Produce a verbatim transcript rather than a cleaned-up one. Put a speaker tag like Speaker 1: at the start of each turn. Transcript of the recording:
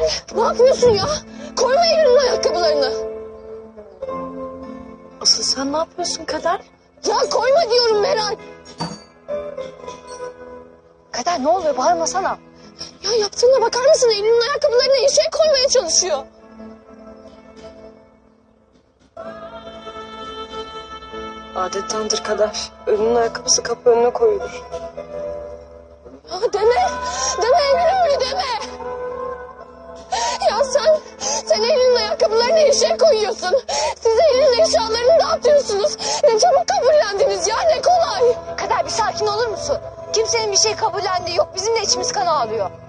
Speaker 1: Ne yapıyorsun ya? Koyma Eylül'ün ayakkabılarını.
Speaker 2: Asıl sen ne yapıyorsun Kader?
Speaker 1: Ya koyma diyorum Meral.
Speaker 2: Kader ne oluyor? Bağırmasana.
Speaker 1: Ya yaptığına bakar mısın? Eylül'ün ayakkabılarına eşeğe koymaya çalışıyor.
Speaker 2: Adettendir Kader. Ölünün ayakkabısı kapı önüne koyulur.
Speaker 1: Ya deme. Deme Eylül öyle deme. Ya sen, sen Eylül'ün ayakkabılarına eşeğe koyuyorsun. Siz Eylül'ün eşyalarını dağıtıyorsunuz. Ne çabuk kabullendiniz ya, ne kolay.
Speaker 2: Kader bir sakin olur musun? Kimsenin bir şey kabullendiği yok. Bizim de içimiz kan ağlıyor.